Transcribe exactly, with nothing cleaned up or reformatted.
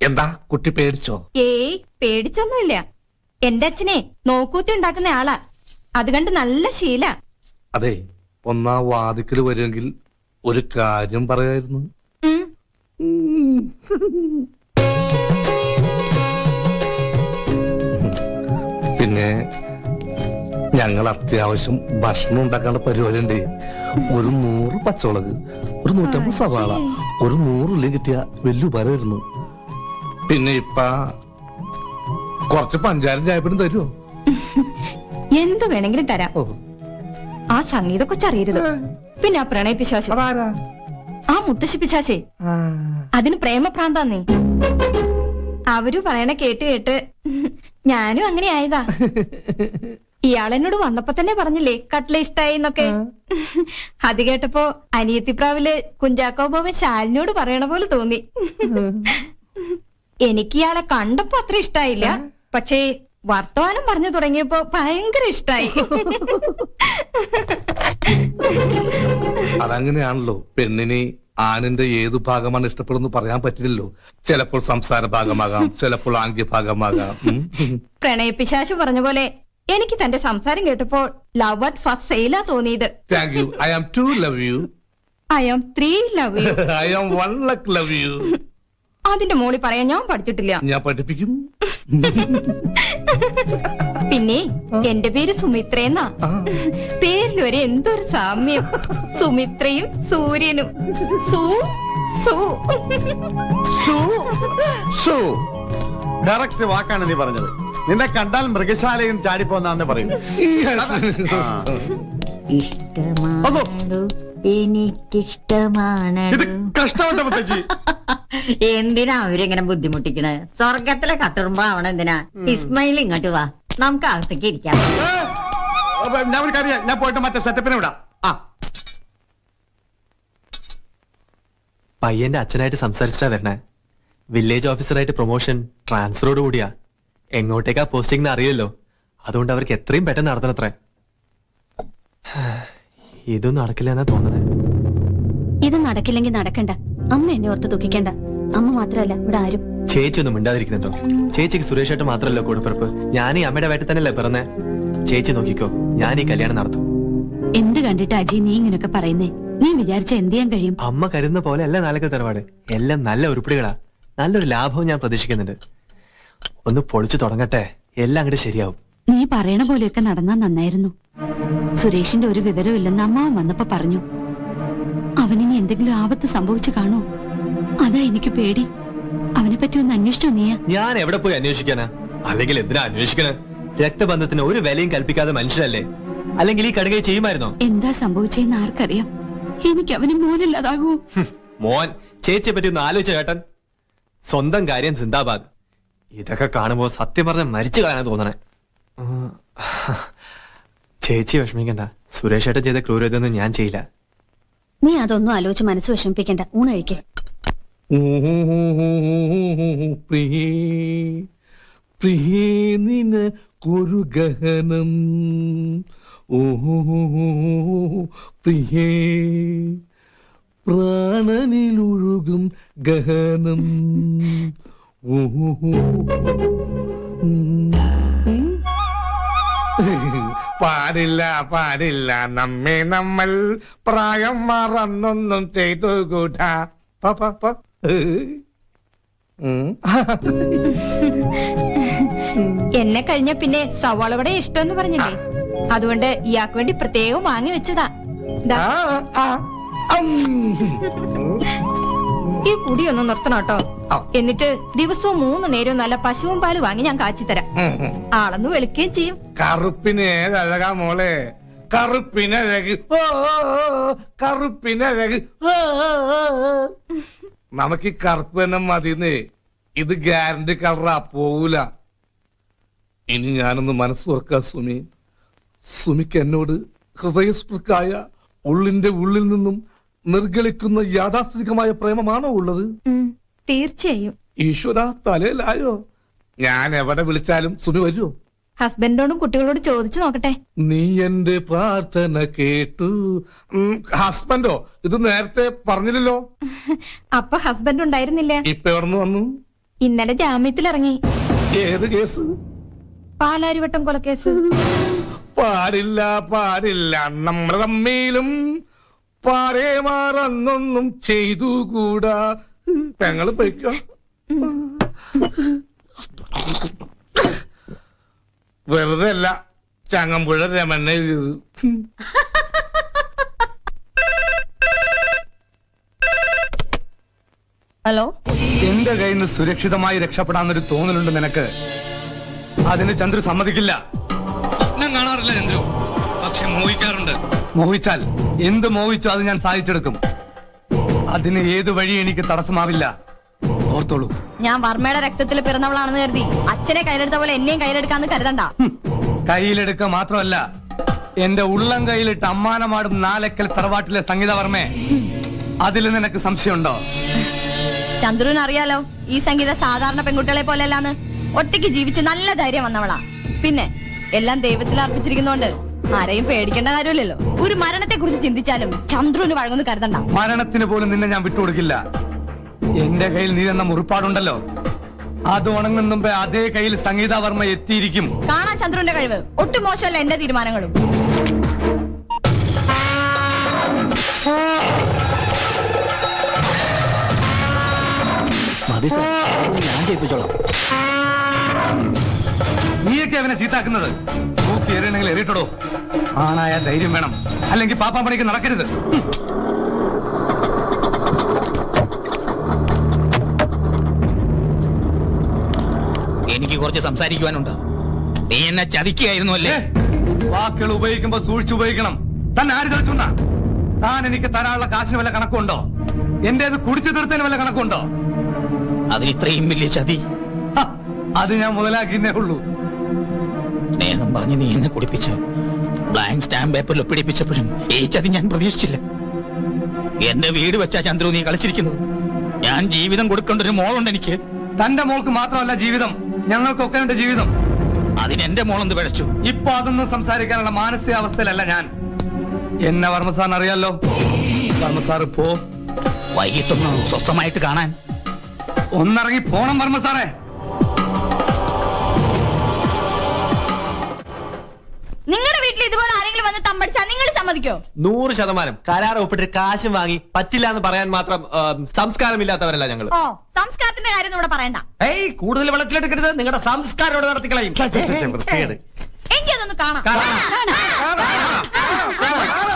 എന്താ കുട്ടി പേടിച്ചോ? ഏയ് പേടിച്ചൊന്നുമില്ല. എന്റെ അച്ഛനെ നോക്കൂത്തി ഉണ്ടാക്കുന്ന ആളാ. അത് കണ്ട് നല്ല ശീല. അതെ, ഒന്നാ വാതിക്കല് വരുമെങ്കിൽ ഒരു കാര്യം പറയായിരുന്നു. പിന്നെ ഞങ്ങൾ അത്യാവശ്യം ഭക്ഷണം ഉണ്ടാക്കാനുള്ള പരിപാടി ഉണ്ട്. ഒരു നൂറ് പച്ചമുളക്, ഒരു നൂറ്റമ്പത് സവാള, ഒരു നൂറ് ഉള്ളി കിട്ടിയ വലിയ ഉപകാരമായിരുന്നു. പിന്നെ ഇപ്പ കുറച്ച് പഞ്ചാരം ചായപ്പനും തരുമോ? എന്ത് വേണമെങ്കിലും തരാം. ആ സംഗീത കൊച്ചറിയരുത്. പിന്നെ ആ പ്രണയ പിശാശു, ആ മുത്തശ്ശി പിശാശേ, അതിന് പ്രേമഭ്രാന്താന്നേ. അവര് പറയണ കേട്ട് കേട്ട് ഞാനും അങ്ങനെ ആയതാ. ഇയാളെന്നോട് വന്നപ്പോ തന്നെ പറഞ്ഞില്ലേ കട്ട്ല ഇഷ്ടായി എന്നൊക്കെ. അത് കേട്ടപ്പോ അനിയത്തിപ്രാവില് കുഞ്ചാക്കോ ബോബൻ ശാലിനോട് പറയണ പോലെ തോന്നി. എനിക്ക് ഇയാളെ കണ്ടപ്പോ അത്ര ഇഷ്ടായില്ല, പക്ഷേ വർത്തമാനം പറഞ്ഞു തുടങ്ങിയപ്പോ ഭയങ്കര ഇഷ്ടായി. അതങ്ങനെയാണല്ലോ, പെണ്ണിന് ആണിന്റെ ഏതു ഭാഗമാണ് ഇഷ്ടപ്പെടുന്നു പറയാൻ പറ്റില്ലല്ലോ. ചിലപ്പോൾ സംസാര ഭാഗമാകാം, ചിലപ്പോൾ ആംഗ്യ ഭാഗമാകാം. പ്രണയപ്പിശാശു പറഞ്ഞ പോലെ എനിക്ക് തന്റെ സംസാരം കേട്ടപ്പോൾ ലവ് അറ്റ് ഫസ്റ്റ് സെയിലാ തോന്നിയത്. Thank you. I am two love you. I am three love you. I am one lakh love you. അതിന്റെ മോളി പറയാൻ ഞാൻ പഠിച്ചിട്ടില്ല. ഞാൻ പഠിപ്പിക്കും. പിന്നെ എന്റെ പേര് സുമിത്രയെന്നാ. പേരിൽ വരെ എന്തൊരു സാമ്യം. സുമിത്രയും സൂര്യനും. സൂ സൂ സൂ ഡയറക്റ്റ് വാക്കാണ് നീ പറഞ്ഞത്. നിന്നെ കണ്ടാൽ മൃഗശാലയും ചാടിപ്പോന്നാന്ന് പറയും. എനിക്കിഷ്ടമാണ്. ഇത് കഷ്ടപ്പെട്ട മുത്തച്ഛി. എന്തിനാ അവരിങ്ങനെ ബുദ്ധിമുട്ടിക്കണേ? സ്വർഗത്തിലെ കട്ടുറുമ്പോ ആവണം എന്തിനാ? ഇസ്മയിൽ ഇങ്ങോട്ട് വാ, നമുക്ക് അകത്തേക്ക് ഇരിക്കാം. ഞാൻ ഒരു കാര്യം, ഞാൻ പോയിട്ട് മറ്റേ സെറ്റപ്പിനെ വിടാം. ആ പയ്യന്റെ അച്ഛനായിട്ട് സംസാരിച്ചാ വരണേ. വില്ലേജ് ഓഫീസറായിട്ട് പ്രൊമോഷൻ ട്രാൻസ്ഫറോട് കൂടിയാ. എങ്ങോട്ടേക്കാ പോസ്റ്റിംഗ് അറിയല്ലോ. അതുകൊണ്ട് അവർക്ക് എത്രയും പെട്ടെന്ന് നടത്തണത്രേ. ഇതൊന്നും നടക്കില്ല എന്നാ തോന്നണേ. ഇത് നടക്കില്ലെങ്കിൽ നടക്കണ്ട. അമ്മ എന്നെ ഓർത്ത് ദുഃഖിക്കണ്ട. അമ്മ മാത്രല്ല ഇവിടെ ആരും. ചേച്ചി ഒന്നും മിണ്ടാതിരിക്കുന്നുണ്ടോ? ചേച്ചിക്ക് സുരേഷായിട്ട് മാത്രല്ലോ കൂടപ്പിറപ്പ്. ഞാൻ ഈ അമ്മയുടെ വേട്ട തന്നെയല്ലേ പിറന്നേ. ചേച്ചി നോക്കിക്കോ, ഞാൻ ഈ കല്യാണം നടത്തും. എന്ത് കണ്ടിട്ട് അജി നീ ഇങ്ങനൊക്കെ പറയുന്നേ? നീ വിചാരിച്ച എന്ത് ചെയ്യാൻ കഴിയും? അമ്മ കരുതുന്ന പോലെ അല്ല നാലൊക്കെ തറവാട്. എല്ലാം നല്ല ഉരുപ്പിടികളാ. നല്ലൊരു ലാഭവും ഞാൻ പ്രതീക്ഷിക്കുന്നുണ്ട്. ഒന്ന് പൊളിച്ചു തുടങ്ങട്ടെ, എല്ലാം അങ്ങോട്ട് ശരിയാവും. നീ പറയണ പോലെയൊക്കെ നടന്നാ നന്നായിരുന്നു. സുരേഷിന്റെ ഒരു വിവരവും ഇല്ലെന്ന് അമ്മാവൻ വന്നപ്പോ പറഞ്ഞു. അവനിനി എന്തെങ്കിലും ആപത്ത് സംഭവിച്ചു കാണോ? അതാ എനിക്ക് പേടി. അവനെ പറ്റി ഒന്ന് അന്വേഷിച്ചോ നീയാ? ഞാൻ എവിടെ പോയി അന്വേഷിക്കാനാ? അല്ലെങ്കിൽ എന്തിനാ അന്വേഷിക്കണേ? രക്തബന്ധത്തിന് ഒരു വിലയും കൽപ്പിക്കാതെ മനുഷ്യരല്ലേ? അല്ലെങ്കിൽ ഈ കടുകை ചെയ്യുമായിരുന്നോ? എന്താ സംഭവിച്ചെന്ന് ആർക്കറിയാം? എനിക്ക് അവന് മോനില്ലാതാകൂ. മോൻ ചേച്ചിയെ പറ്റി ഒന്ന് ആലോചിച്ച ചേട്ടൻ. സ്വന്തം കാര്യം സിന്ദാബാദ്. ഇതൊക്കെ കാണുമ്പോ സത്യം പറഞ്ഞ മരിച്ചു കളയാൻ തോന്നണേ. ചേച്ചി വിഷമിക്കണ്ട. സുരേഷ് ഏട്ടൻ ചെയ്ത ക്രൂരതൊന്നും ഞാൻ ചെയ്യില്ല. നീ അതൊന്നും ആലോചിച്ച് മനസ്സ് വിഷമിപ്പിക്കണ്ട. ഊണഴിക്കേ. പ്രിയേ പ്രിയേ നിനക്കൊരു ഗഹനം. ഓഹോ പ്രിയേ പ്രാണനിലൊഴുകും ഗഹനം. ഓഹോ പാടില്ല പാടില്ല നമ്മെ നമ്മൾ പ്രായം മറന്നൊന്നും ചെയ്തു കൂട്ടാ. എന്നെ കഴിഞ്ഞ പിന്നെ സവാളവിടെ ഇഷ്ടമെന്ന് പറഞ്ഞില്ലേ? അതുകൊണ്ട് ഇയാൾക്ക് വേണ്ടി പ്രത്യേകം വാങ്ങി വെച്ചതാ. ഈ കുടിയൊന്ന് നിർത്തണം കേട്ടോ. എന്നിട്ട് ദിവസവും മൂന്ന് നേരവും നല്ല പശുവും പാല് വാങ്ങി ഞാൻ കാച്ചിത്തരാം. ആളൊന്ന് വെളുക്കുകയും ചെയ്യും. കറുപ്പിന് ഏതഴകാ മോളെ, കറുപ്പിനഴക്. ഓ കറുപ്പിനഴക്. നമുക്ക് ഈ കറുപ്പ് തന്നെ മതിന്നേ. ഇത് ഗ്യാരണ്ടി കളറാ, പോവൂല. ഇനി ഞാനൊന്ന് മനസ്സ് തുറക്കാം സുമി. സുമിക്ക് എന്നോട് ഹൃദയസ്പൃക്കായ ഉള്ളിന്റെ ഉള്ളിൽ നിന്നും നിർഗളിക്കുന്ന യാഥാസ്ഥിതികമായ പ്രേമമാണോ ഉള്ളത്? തീർച്ചയായും. ഈശ്വര തലയിലായോ? ഞാൻ എവിടെ വിളിച്ചാലും സുമി വരുമോ? ഹസ്ബൻഡോടും കുട്ടികളോട് ചോദിച്ചു നോക്കട്ടെ. നീ എന്റെ പ്രാർത്ഥന കേട്ടു. ഹസ്ബൻഡോ? ഇത് നേരത്തെ പറഞ്ഞില്ലല്ലോ. അപ്പൊ ഹസ്ബൻഡ് ഉണ്ടായിരുന്നില്ല. ഇപ്പൊ എവിടുന്ന് വന്നു? ഇന്നലെ ജാമ്യത്തിലിറങ്ങി. ഏത് കേസ്? പാലാരിവട്ടം കൊലക്കേസ്. പാടില്ല പാടില്ല നമ്മൾ തമ്മിലും പാരേ മാറന്നൊന്നും ചെയ്തുകൂടാ. പെങ്ങള് പൊയ്ക്കോ. വെറുതെ അല്ല ചങ്ങമ്പുഴ രമണ എഴുതിയത്. ഹലോ, എന്റെ കയ്യിൽ നിന്ന് സുരക്ഷിതമായി രക്ഷപ്പെടാന്നൊരു തോന്നലുണ്ട് നിനക്ക്. അതിന് ചന്ദ്രു സമ്മതിക്കില്ല. സ്വപ്നം കാണാറില്ല ചന്ദ്രു, പക്ഷെ മോഹിക്കാറുണ്ട്. മോഹിച്ചാൽ എന്ത് മോഹിച്ചോ അത് ഞാൻ സാധിച്ചെടുക്കും. അതിന് ഏത് വഴി എനിക്ക് തടസ്സമാവില്ല. ഓർത്തോളൂ. ഞാൻ വർമ്മയുടെ രക്തത്തിൽ പിറന്നവളാണെന്ന് കരുതി അച്ഛനെ കയ്യിലെടുത്ത പോലെ എന്നെയും കയ്യിലെടുക്കാന്ന് കരുതണ്ട. ഹും, കയ്യിലെടുക്കുക മാത്രമല്ല, എന്റെ ഉള്ളം കയ്യിലിട്ട് അമ്മാനമാടും നാലക്കൽ തറവാട്ടിലെ സംഗീതവർമ്മേ, അതിൽ നിനക്ക് സംശയമുണ്ടോ? ചന്ദ്രുവിന് അറിയാലോ ഈ സംഗീത സാധാരണ പെൺകുട്ടികളെ പോലെയല്ലാന്ന്. ഒറ്റയ്ക്ക് ജീവിച്ച് നല്ല ധൈര്യം വന്നവളാ. പിന്നെ എല്ലാം ദൈവത്തിൽ അർപ്പിച്ചിരിക്കുന്നോണ്ട് ആരെയും പേടിക്കേണ്ട കാര്യമില്ലല്ലോ. ഒരു മരണത്തെ കുറിച്ച് ചിന്തിച്ചാലും ചന്ദ്രുവിന് വഴങ്ങുന്നു കരുതണ്ട. മരണത്തിന് പോലും നിന്നെ ഞാൻ വിട്ടുകൊടുക്കില്ല. എന്റെ കയ്യിൽ നീ എന്ന മുറിപ്പാടുണ്ടല്ലോ, അത് ഉണങ്ങും മുമ്പേ അതേ കയ്യിൽ സംഗീതവർമ്മ എത്തിയിരിക്കും. കാണാൻ ചന്ദ്രുവിന്റെ കഴിവ് ഒട്ടും മോശമല്ല എന്റെ തീരുമാനങ്ങളും. ഞാൻ ചെയ്യിപ്പിച്ചോളാം. നീയൊക്കെ അവനെ ചീത്താക്കുന്നത്. നോക്കി എറിയണമെങ്കിൽ എറിയിട്ടോ. ആണായ ധൈര്യം വേണം, അല്ലെങ്കിൽ പാപ്പാപ്പണിക്ക് നടക്കരുത്. എനിക്ക് കുറച്ച് സംസാരിക്കുവാനുണ്ട്. നീ എന്നെ ചതിക്കുകയായിരുന്നു അല്ലേ? വാക്കുകൾ ഉപയോഗിക്കുമ്പോ സൂക്ഷിച്ചു ഉപയോഗിക്കണം. തന്നെ ആര് ചതിച്ചുണ്ടാ? താൻ എനിക്ക് തരാനുള്ള കാശിന് വല്ല കണക്കുണ്ടോ? എന്റേത് കുടിച്ചു തീർത്തതിന് വല്ല കണക്കുണ്ടോ? അതിൽ ഇത്രയും വലിയ ചതി ഹ, അത് ഞാൻ മുതലാക്കിന്നേ ഉള്ളൂ. സ്നേഹം പറഞ്ഞ് നീ എന്നെ കുടിപ്പിച്ച് ബ്ലാങ്ക് സ്റ്റാമ്പ് പേപ്പറിൽ ഒപ്പിടിപ്പിച്ചപ്പോഴും ഈ ചതി ഞാൻ പ്രതീക്ഷിച്ചില്ല. എന്റെ വീട് വെച്ചാ ചന്ദ്രു നീ കളിച്ചിരിക്കുന്നത്. ഞാൻ ജീവിതം കൊടുക്കേണ്ട ഒരു മോളുണ്ട് എനിക്ക്. തന്റെ മോൾക്ക് മാത്രമല്ല ജീവിതം, ഞങ്ങൾക്കൊക്കെ ഉണ്ട് ജീവിതം. അതിന് എന്റെ മോളൊന്ന് പിഴച്ചു. ഇപ്പൊ അതൊന്നും സംസാരിക്കാനുള്ള മാനസികാവസ്ഥയിലല്ല ഞാൻ. എന്നെ വർമ്മസാറിന് അറിയാലോ. വർമ്മസാർ പോ. വൈകിട്ടൊന്ന് സ്വസ്ഥമായിട്ട് കാണാൻ ഒന്നിറങ്ങി പോണം വർമ്മസാറേ. നിങ്ങളുടെ വീട്ടിൽ ഇതുപോലെ ആരെങ്കിലും വന്ന് തമ്പടിച്ചാ നിങ്ങൾ സമ്മതിക്കോ? നൂറ് ശതമാനം കരാർ ഒപ്പിട്ട് കാശും വാങ്ങി പറ്റില്ല എന്ന് പറയാൻ മാത്രം ആ, സംസ്കാരമില്ലാത്തവരല്ല ഞങ്ങൾ. ഓ, സംസ്കാരത്തിന്റെ കാര്യം ഇവിടെ പറയണ്ട. ഏയ്, കൂടുതൽ വെള്ളത്തിലെടുക്കരുത്. നിങ്ങളുടെ സംസ്കാരം ഇവിടെ നടത്തിക്കളയും. എനിക്കതൊന്ന് കാണാം. കാണാം.